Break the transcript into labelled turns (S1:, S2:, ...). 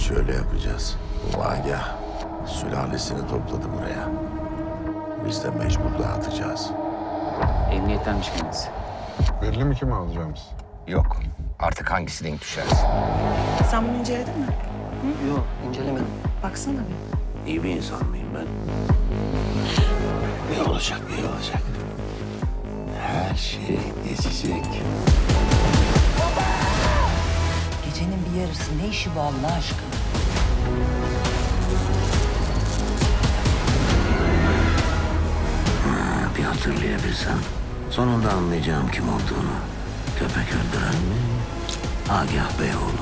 S1: şöyle yapacağız. Bu Agah sülalesini topladı buraya. Biz de mecbur dağıtacağız.
S2: Emniyettenmiş kendisi.
S3: Belli mi kimi alacağımız?
S4: Yok. Artık hangisi denk düşerse.
S5: Sen bunu inceledin mi?
S6: Yok, incelemedim.
S5: Baksana bir.
S1: İyi bir insan mıyım ben? Ne olacak, ne olacak? Her şey geçecek.
S7: Gecenin bir yarısı ne işi bu Allah aşkına?
S1: Bir hatırlayabilsem sonunda anlayacağım kim olduğunu. Köpek öldüren mi? Agah Beyoğlu